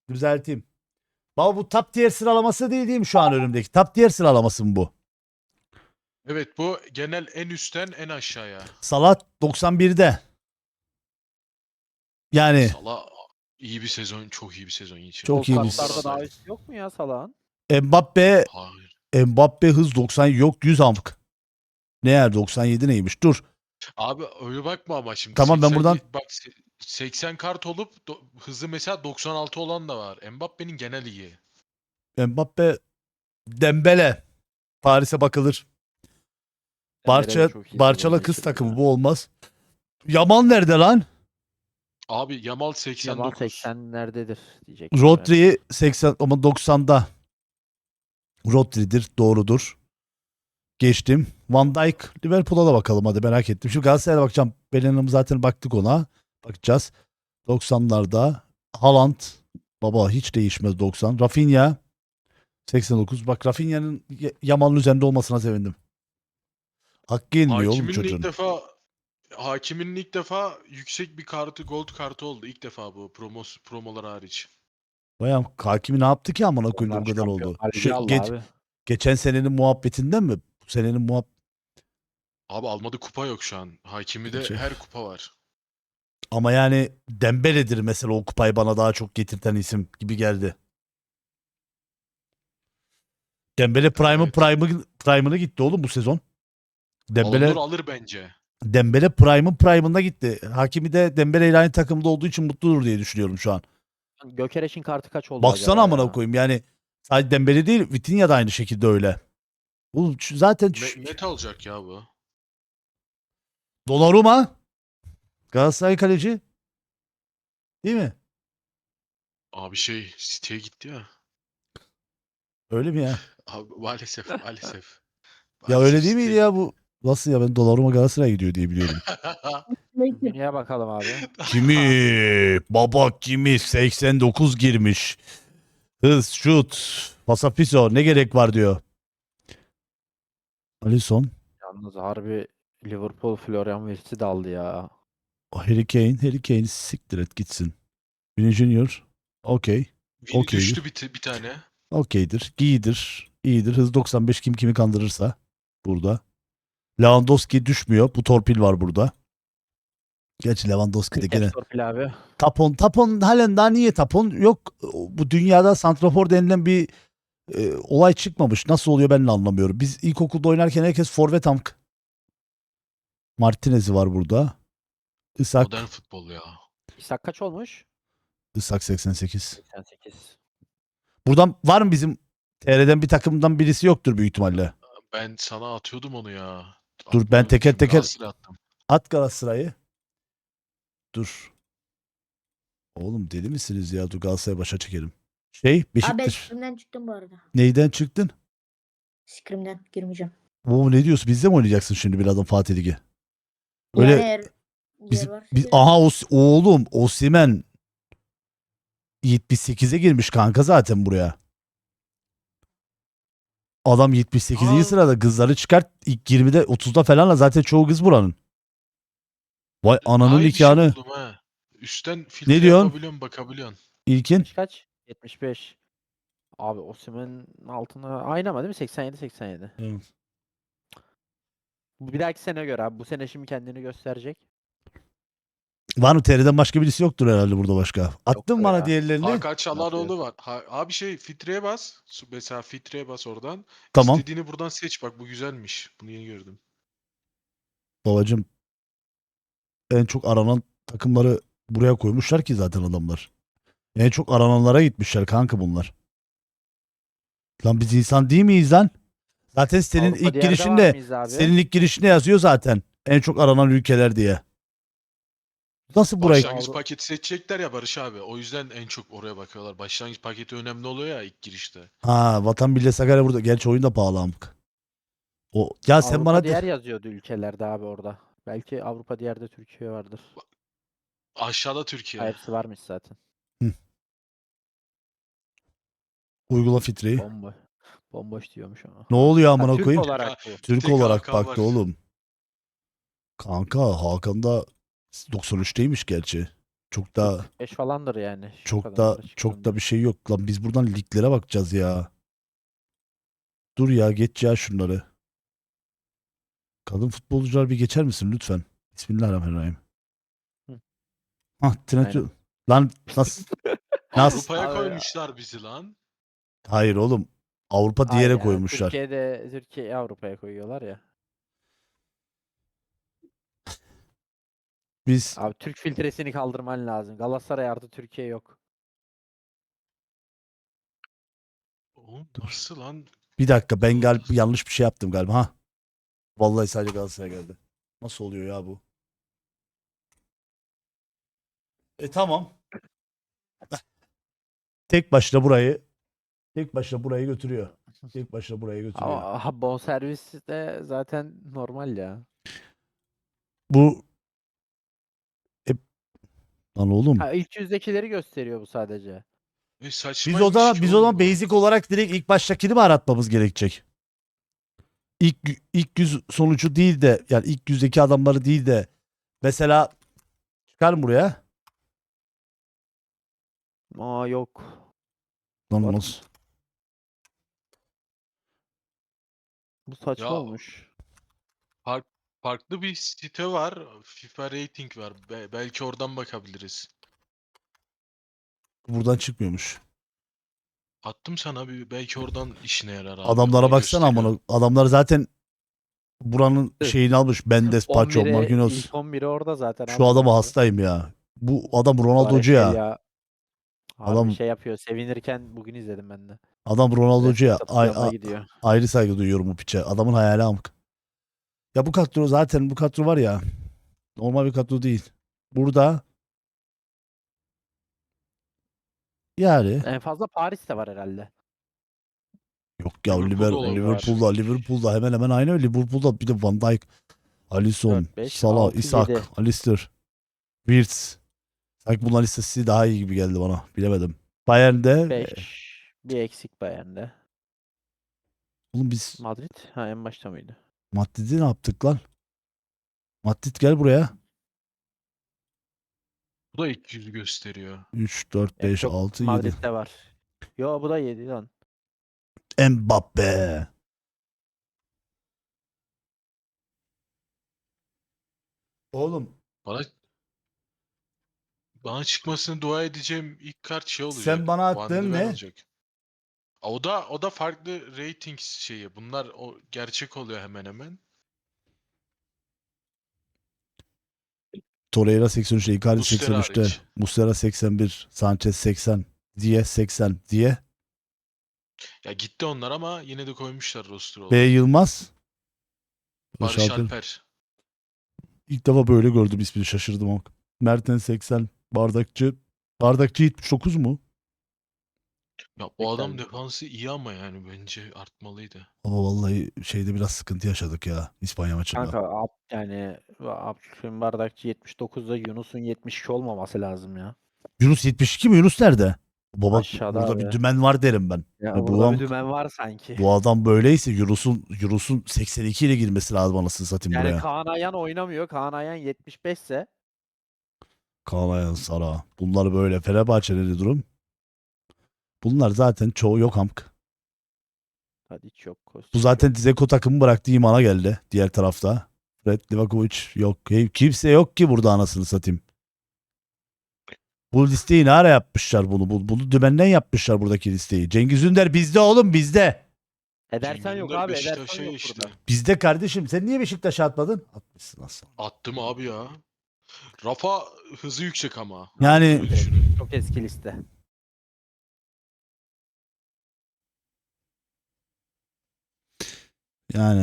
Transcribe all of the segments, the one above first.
Düzelteyim. Baba bu top tier sıralaması değil mi şu an önümdeki? Top tier sıralaması mı bu? Evet, bu genel en üstten en aşağıya. Salah 91'de. Yani Salah iyi bir sezon, çok iyi bir sezon geçirdi. çok O iyi bir kartlarda daha üstü yok mu ya Salah'ın? Mbappe Hayır. Mbappe hız 90 yok 100 amk. Ne yer 97 neymiş? Dur. Abi öyle bakma ama şimdi Tamam, ben buradan- bak 80 kart olup hızı mesela 96 olan da var. Mbappe'nin genel iyi. Mbappe Dembele. Paris'e bakılır. Dembele de çok iyi Barçala sezon kız geçirdi takımı ya. bu olmaz. Yaman nerede lan? Abi Yamal Yamal 89. 80'lerdedir diyecektim. Evet. Rodri 80 ama 90'da. Rodri'dir, doğrudur. Geçtim. Van Dijk, Liverpool'a da bakalım hadi, merak ettim. Şimdi Galatasaray'a bakacağım. Bellingham zaten baktık ona. Bakacağız. 90'larda Haaland baba hiç değişmez 90. Rafinha 89. Bak Rafinha'nın Yamal'ın üzerinde olmasına sevindim. Hakkı yenmiyor oğlum çocuğun. Hakiminin ilk defa yüksek bir kartı, gold kartı oldu. İlk defa bu promolar hariç. Bayağı Hakimi ne yaptı ki amına koyayım da Onlar bu kadar oldu. Şampiyonlar Ligi aldı abi. Geçen senenin muhabbetinden mi? Bu senenin Abi almadı, kupa yok şu an. Hakimi de Şey- her kupa var. Ama yani Dembele'dir mesela o kupayı bana daha çok getirten isim gibi geldi. Dembele Evet. Prime'ını gitti oğlum bu sezon. Alınır alır bence. Dembele Prime'ında gitti. Hakimi de Dembele ile aynı takımda olduğu için mutludur diye düşünüyorum şu an. Gökereş'in kartı kaç oldu Baksana acaba amına ya? koyayım yani sadece Dembele değil Vitinha da aynı şekilde öyle. Oğlum zaten Net alacak ya bu. Donnarumma Galatasaray kaleci değil mi? Abi City'ye gitti ya. Öyle mi ya? Abi maalesef maalesef. Ya öyle değil miydi City'ye ya bu? Nasıl ya, ben Donnarumma Galatasaray'a gidiyor diye biliyordum. Dünyaya bakalım abi. Kimi? Baba kimi? 89 girmiş. Hız, şut, pasapiso ne gerek var diyor. Alisson, Yalnız harbi Liverpool Florian Wirtz'i de aldı ya. Harry Kane siktir et gitsin. Vini Junior, okey. Vini Okeydir. düştü bir tane. Okeydir. İyidir. İyidir. Hız 95 kim kimi kandırırsa burada. Lewandowski düşmüyor. Bu torpil var burada. Gerçi Lewandowski de gene. Torpil abi. Tapon halen daha niye Tapon? Yok bu dünyada santrafor denilen bir olay çıkmamış. Nasıl oluyor ben de anlamıyorum. Biz ilkokulda oynarken herkes forvet amk. Martinez'i var burada. Modern Isak. futbol ya. İshak kaç olmuş? Isak 88. 88. Buradan var mı bizim TR'den bir takımdan birisi yoktur büyük ihtimalle. Ben sana atıyordum onu ya. Dur ben Atmıyordum. teker Şimdi teker Galatasaray'a attım. at Galatasaray'ı. Dur. Oğlum deli misiniz ya? Dur Galatasaray'ı başa çekelim. Abi ben Beşiktaş. Scrim'den çıktım bu arada. Neyden çıktın? Scrim'den girmeyeceğim. Oo ne diyorsun? Bizde mi oynayacaksın şimdi birazdan Fatih Ligi? Yani Öyle eğer biz, yer varsa girerim. aha oğlum Osimhen 78'e girmiş kanka zaten buraya. Adam 78. Aa. sırada, kızları çıkart ilk 20'de 30'da falanla zaten çoğu kız buranın. Vay ananın Daha iyi bir şey nikahını. buldum ha. Üstten filtre diyorsun? yapabiliyorsun, bakabiliyorsun. İlkin Kaç? 75. Abi Osimhen'in altına aynı ama değil mi? 87. Evet. Bu bir dahaki sene göre abi. Bu sene şimdi kendini gösterecek. Var mı TR'den başka birisi yoktur herhalde burada başka. Attın Yoktur bana ya. diğerlerini. Hakan Çalhanoğlu var. Abi filtreye bas. Mesela filtreye bas oradan. Tamam. İstediğini buradan seç, bak bu güzelmiş. Bunu yeni gördüm. Babacım en çok aranan takımları buraya koymuşlar ki zaten adamlar. En çok arananlara gitmişler kanka bunlar. Lan biz insan değil miyiz lan? Zaten senin Avrupa ilk diğerde var girişinde mıyız abi? senin ilk girişinde yazıyor zaten. En çok aranan ülkeler diye. Nasıl burayı? Başlangıç paketi seçecekler ya Barış abi. O yüzden en çok oraya bakıyorlar. Başlangıç paketi önemli oluyor ya ilk girişte. Ha Vatan Millet Sakarya burada. Gerçi oyun da pahalı amk. O ya sen Avrupa bana diğer yazıyordu ülkelerde abi orada. Belki Avrupa diğerde Türkiye vardır. Aşağıda Türkiye. Hepsi varmış zaten. uygula filtreyi. Bomboş. Bomboş diyormuş ama. Ne oluyor Ha, amına Türk koyayım? olarak bu. Türk tek olarak Hakan baktı var. oğlum. Kanka Hakan da 93'teymiş gerçi. Çok da 5 falandır yani. Şu çok kadar da para çok çıktığında. da bir şey yok lan. Biz buradan liglere bakacağız ya. Dur ya, geç ya şunları. Kadın futbolcular bir geçer misin lütfen? Bismillahirrahmanirrahim. Hı. Hah, Trent. Aynen. Lan nasıl? Nasıl? Avrupa'ya Abi, koymuşlar bizi lan. Hayır oğlum. Avrupa Hayır diğere ya. koymuşlar. Türkiye'yi Avrupa'ya koyuyorlar ya. Biz Abi Türk filtresini kaldırman lazım. Galatasaray artı Türkiye yok. Oğlum nasıl lan? bir dakika, ben yanlış bir şey yaptım galiba. Ha. Vallahi sadece Galatasaray geldi. Nasıl oluyor ya bu? Tamam. Tek başına burayı götürüyor. Tek başına burayı götürüyor. Ama bonservis de zaten normal ya. Bu e, lan oğlum. Ha, ilk yüzdekileri gösteriyor bu sadece. Biz Saçmaymış o zaman ki biz o oğlum zaman bu. basic olarak direkt ilk baştakini mi aratmamız gerekecek? İlk yüz sonucu değil de, yani ilk yüzdeki adamları değil de, mesela çıkar mı buraya? Aa yok. Lan Var. nasıl? Bu saçma Ya olmuş. farklı bir site var. FIFA rating var. Belki oradan bakabiliriz. Buradan çıkmıyormuş. Attım sana bir, belki oradan işine yarar abi. Adamlara Orada baksana gösteriyor. amına. Adamlar zaten buranın Evet. şeyini almış. Mendes, Paço, 11'e Marquinhos. ilk 11'i orada zaten Şu abi adama bence. hastayım ya. Bu adam Ronaldo'cu ya. Kvaratskhelia harbi Adam şey yapıyor. Sevinirken bugün izledim ben de. adam Ronaldo'cu Destek ya. atıp yanına gidiyor. Ayrı saygı duyuyorum bu piçe. Adamın hayali amk. Ya bu kadro zaten, bu kadro var ya. Normal bir kadro değil. Burada yani En fazla Paris'te var herhalde. yok ya, Liverpool'da olabilir. Liverpool'da hemen hemen aynı öyle. Liverpool'da bir de Van Dijk, Alisson, 4, 5, Salah, 6, Isak, 7. Alistair, Wirtz. Sanki bunların listesi daha iyi gibi geldi bana. Bilemedim. Bayern'de 5. Bir eksik Bayern'de. oğlum biz Madrid. Ha, en başta mıydı? Madrid'i ne yaptık lan? Madrid gel buraya. Bu da ilk yüzü gösteriyor. 3, 4, En 5, çok 6, 7. Madrid'de var. Yo bu da 7 lan. Mbappe. Oğlum Bana bana çıkmasını dua edeceğim ilk kart şey olacak. sen bana Van attığın de Ven ne? olacak. O da farklı rating şeyi. Bunlar o gerçek oluyor hemen hemen. Torreira 83, Icardi Muslera 83'te. hariç. Muslera 81, Sanchez 80, Diye 80. Diye. Ya gitti onlar ama yine de koymuşlar roster B. olarak. Yılmaz. Barış Barış Alper. Alper. İlk defa böyle gördüm ismini, şaşırdım ama. Mertens 80, Bardakçı. Bardakçı 79 mu? Ya o adam Tekrar- defansı iyi ama yani bence artmalıydı. Ama vallahi şeyde biraz sıkıntı yaşadık ya İspanya maçında. Kanka yani Abdülkerim Bardakçı 79'da Yunus'un 72 olmaması lazım ya. Yunus 72 mi? Yunus nerede? Baba Aşağıda burada abi. bir dümen var derim ben. Ya Bu burada bir adam, dümen var sanki. bu adam böyleyse Yunus'un 82 ile girmesi lazım anasını satayım Yani buraya. Kaan Ayhan oynamıyor. Kaan Ayhan 75 ise Kaan Ayhan, Sara. Bunlar böyle. Fenerbahçe'de de durum. Bunlar zaten çoğu yok amk. hadi hiç yok. Bu Kostic zaten yok. Dzeko takımı bıraktı, imana geldi diğer tarafta. Fred, Livakovic yok. Kimse yok ki burada anasını satayım. Bu listeyi ne ara yapmışlar bunu? Bunu dümenden yapmışlar buradaki listeyi. Cengiz Ünder bizde oğlum, bizde. Edersen yok Cengiz Ünder abi. Ederson Beşiktaş'a yok geçti. burada. Bizde kardeşim. Sen niye Beşiktaş'a atmadın? Atmışsın nasıl? Attım abi ya. Rafa hızı yüksek ama. Yani Öyle düşünün. Çok eski liste. yani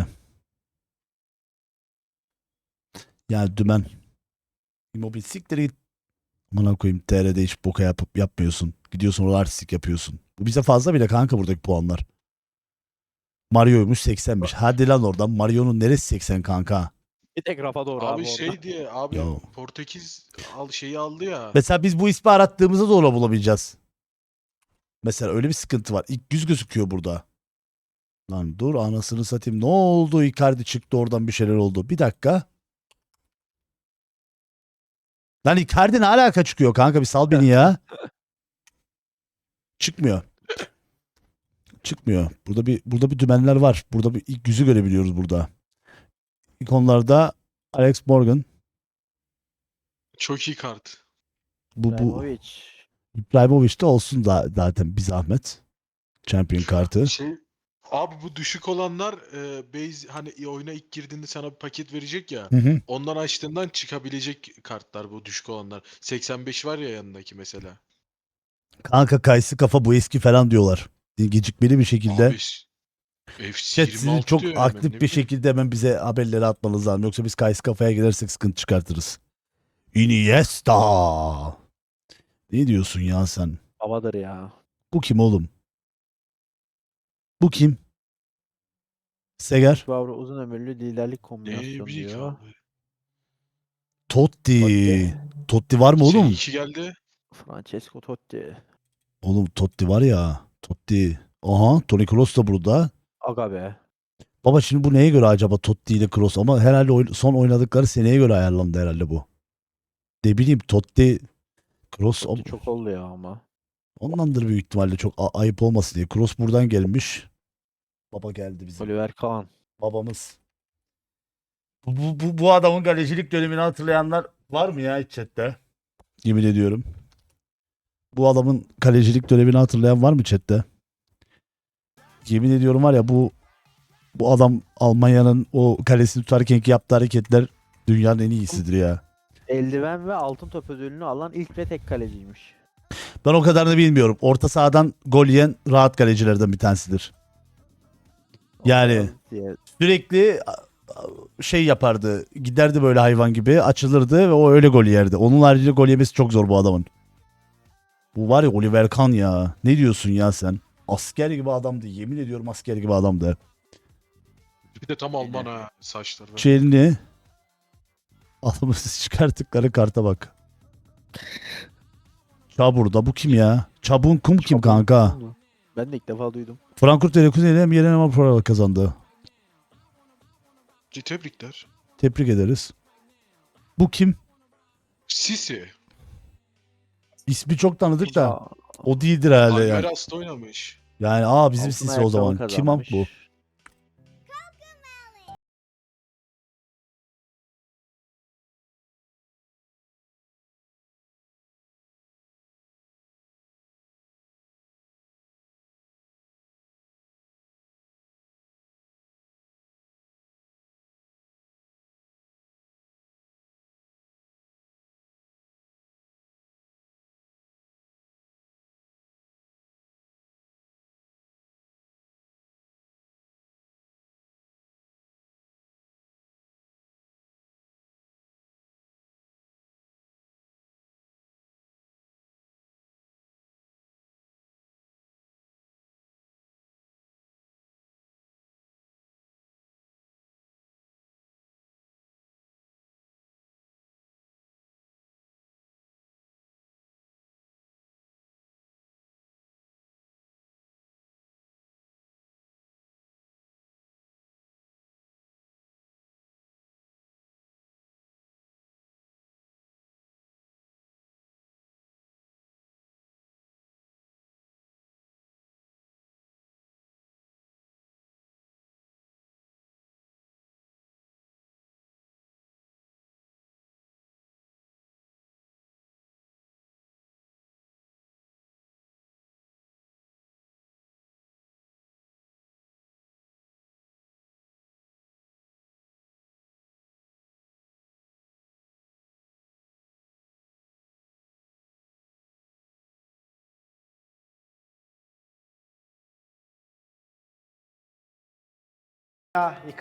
dümen. Immobile siktir git. Amına koyayım, TR'de hiç boka yapmıyorsun. Gidiyorsun orada artistik yapıyorsun. Bu bize fazla bile kanka buradaki puanlar. Mario'ymuş 80'miş. Hadi lan oradan. Mario'nun neresi 80 kanka? Bir tek Rafa doğru abi Abi orada. şey diye abi Ya. Portekiz şeyi aldı ya. Mesela biz bu ismi arattığımızda da onu bulamayacağız. Mesela öyle bir sıkıntı var. İlk yüz gözüküyor burada. Lan dur anasını satayım. Ne oldu? Icardi çıktı oradan, bir şeyler oldu. Bir dakika. Lan Icardi ne alaka çıkıyor kanka, bir sal beni ya. Çıkmıyor. Çıkmıyor. Burada bir dümenler var. Burada bir ilk yüzü görebiliyoruz burada. İkonlarda Alex Morgan. Çok iyi kart. Bu İbrahimovic. İbrahimovic de olsun da zaten bir zahmet. Champion kartı. Abi bu düşük olanlar base hani oyuna ilk girdiğinde sana bir paket verecek ya. Hı hı. Ondan açtığından çıkabilecek kartlar bu düşük olanlar. 85 var ya yanındaki mesela. Kanka kayısı kafa bu eski falan diyorlar. Gecikmeli bir şekilde. Abi FC Chat sizin 26 çok diyor hemen, aktif ne bir bileyim. şekilde hemen bize haberleri atmanız lazım. Yoksa biz kayısı kafaya girersek sıkıntı çıkartırız. Iniesta. Ne diyorsun ya sen? Babadır ya. Bu kim oğlum? Bu kim? Seger. Vavro uzun ömürlü liderlik Ne kombinasyonu bileyim diyor. abi. Totti. Totti. Totti var mı oğlum? Şey geldi. Francesco Totti. Oğlum Totti var ya. Totti. Aha, Toni Kroos da burada. Aga be. Baba şimdi bu neye göre acaba Totti ile Kroos? Ama herhalde son oynadıkları seneye göre ayarlandı herhalde bu. Ne bileyim Totti, Kroos Totti çok oldu ya ama. ondandır büyük ihtimalle, çok ayıp olmasın diye. Kroos buradan gelmiş. Baba geldi bizim. Oliver Kahn. Babamız. Bu adamın kalecilik dönemini hatırlayanlar var mı ya hiç chatte? Yemin ediyorum. Bu adamın kalecilik dönemini hatırlayan var mı chatte? Yemin ediyorum var ya, bu adam Almanya'nın o kalesini tutarkenki yaptığı hareketler dünyanın en iyisidir ya. Eldiven ve altın top ödülünü alan ilk ve tek kaleciymiş. Ben o kadarını bilmiyorum. Orta sahadan gol yiyen rahat kalecilerden bir tanesidir. Yani Ondan diye. sürekli şey yapardı. Giderdi böyle hayvan gibi, açılırdı ve o öyle gol yerdi. Onun haricinde gol yemesi çok zor bu adamın. Bu var ya Oliver Kahn ya. Ne diyorsun ya sen? Asker gibi adamdı. Yemin ediyorum asker gibi adamdı. Bir de tam Alman ha saçları. Çelini adamı çıkarttıkları karta bak. Çabur'da bu kim ya? Çabun Kum kim kanka? Ben de ilk defa duydum. Frankfurt Leverkusen'e hem yerine hem Avrupa kazandı. Tebrikler. Tebrik ederiz. Bu kim? Sisi. İsmi çok tanıdık da Aa, o değildir herhalde yani. Almeras'ta oynamış. Yani bizim altın Sisi o zaman. ayakkabı Kim am bu? kazanmış.